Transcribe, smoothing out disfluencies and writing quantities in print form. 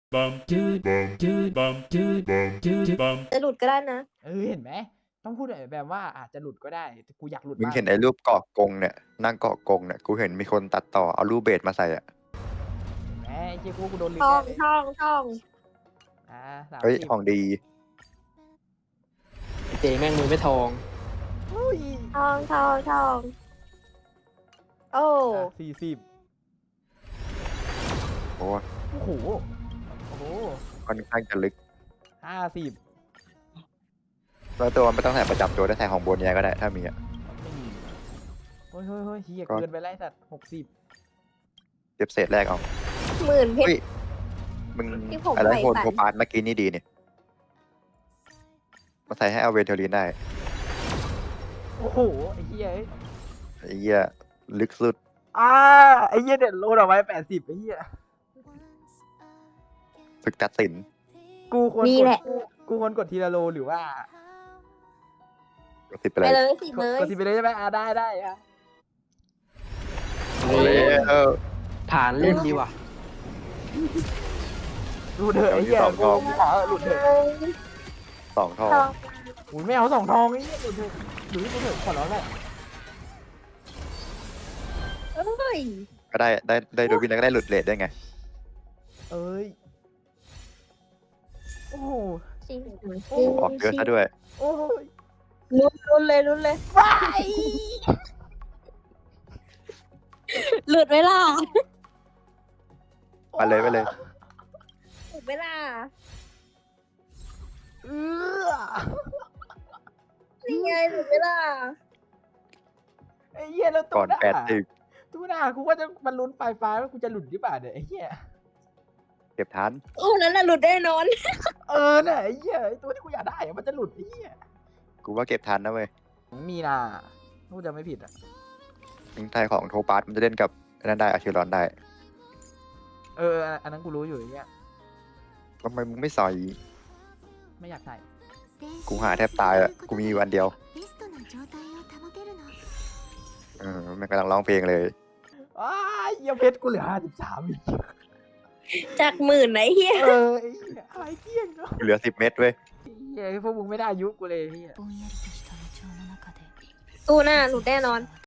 จะหลุดก็ได้นะเห็นไหมต้องพูดแบบว่าอาจจะหลุดก็ได้แต่กูอยากหลุดมึงมากเห็นไอ้รูปเกาะกงเนี่ยนั่งเกาะกงเนี่ยกูเห็นมีคนตัดต่อเอารูปเบสมาใส่อ่ะแหมไอ้เจ้ากูโดนลืมท่อแน่งเลยท่องท่อง 30 เฮ้ยของดีเจแม่งมือไม่ทองอุ้ยท่องท่องท่องโอ้ 40 โอ้โอ้โหโอ้โหค่อนข้างจะลึก 50 แล้วตัวไม่ต้องใส่ประจำตัวได้ใส่ของโบเนียก็ได้ถ้ามีอ่ะไม่มีเฮ้ยเฮียก็เกินไปไล่สัตว์60 เก็บเศษแรกเอาหมื่นเพชเฮ้รยมึงที่ผมอะไรใส่โหดฝันโทปานเมื่อกี้นี่ดีเนี่ยมาใส่ให้เอาเวนเทอรีนได้โอ้โหไอ้เฮียไอ้เหี้ยลึกสุดไอ้เฮียเด็ดโลดเอาไว้80ไอ้เฮียฝึกตัดสินกูควรนี่กแหดละกูควรกดทีละโลหรือว่าก็สิบไปไปเลยเลยสิเลยกดทีไปเลยใช่ไหมได้อะโอ้ยผ่านเล่นดีว่ะหลุดเถอะไอ้เหี้ยเอาอยู่กูสองรอบขอหลุดเถอะสองทองท่องอุ้ยไม่เอา2 ทองไอ้เหี้ยหลุดเถอะหลุดเถอะขอร้องแหละเอ้ยก็ได้โดยวินแล้วก็ได้หลุดเลทได้ไงเอ้ยโอ้โหชิงโอ้ออกเยอะซะด้วยโอ้ยลุ้นเลยลุ้นเลยไปหลุดเวลาไปเลยหลุดเวลาเออนี่ไงหลุดเวลาไอ้เหี้ยแล้วก่ตู้อนหน้า 80 ตู้หน้ากูว่าจะมันลุ้นปลายฟ้าว่ากูจะหลุดหรือเปล่าเนี่ยไอ้เหี้ยเก็บทันโอ้นั้นน่ะหลุดแน่นอนน่ะไอ้เหี้ยไอ้ตัวที่กูอยากได้อะมันจะหลุดไอ้เหี้ยกูว่าเก็บทันนะเว้ยมีนากูจะไม่ผิดอ่ะทิ้งไทยของโทปาสมันจะเล่นกับอันนั้นได้อาชิรอนได้อันนั้นกูรู้อยู่ไอ้เหี้ยทำไมมึงไม่ใส่ไม่อยากใส่กูหาแทบตายอะกูมีวันเดียวมันกำลังร้องเพลงเลยอ้ายเหี้ยเพชรกูเหลือ53อีกจากหมื่นไหนเฮียไอ้เหี้ยอะไรเที่ยงเนาะเหลือ10 เม็ดเว้ยเหี้ยพวกมึงไม่ได้อายุกูเลยพี่ตู้หน้าหลุดแน่นอน